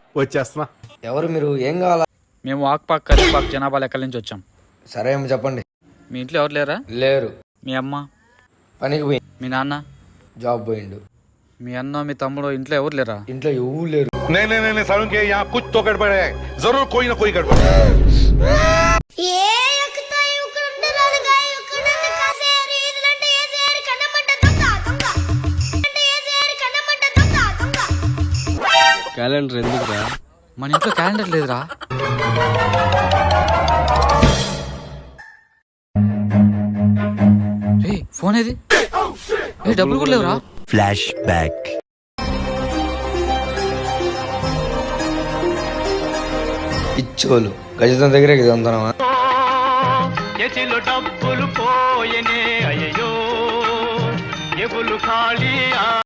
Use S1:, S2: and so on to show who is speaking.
S1: వచ్చేస్తున్నా.
S2: ఎవరు మీరు? ఏం కావాలా?
S3: మేము వాక్పాక్ కరీపాక్ జనాభా లెక్కల నుంచి వచ్చాం.
S2: సరే ఏమో చెప్పండి.
S3: మీ ఇంట్లో ఎవరు లేరా?
S2: లేరు.
S3: మీ అమ్మ?
S2: పనికి పోయి.
S3: మీ నాన్న?
S2: జాబ్ పోయిండు.
S3: మీ అన్న మీ తమ్ముడు ఇంట్లో ఎవరు లేరా?
S2: ఇంట్లో ఎవరు లేరు.
S4: नहीं सारुण के यहाँ कुछ तो गड़बड़ है, जरूर कोई ना कोई गड़बड़ है।
S1: క్యాలెండర్ ఎందుకురా?
S3: మన ఇంట్లో క్యాలెండర్ లేదురా. రే ఫోన్ ఏది? ఏ డబ్బులు కూడా లేవురా.
S5: Flash back.
S2: పిచ్చోలు గజతం దగ్గరే గజంతనమా?
S6: డబ్బులు పోయనే అయ్యో, ఎబులు ఖాళీ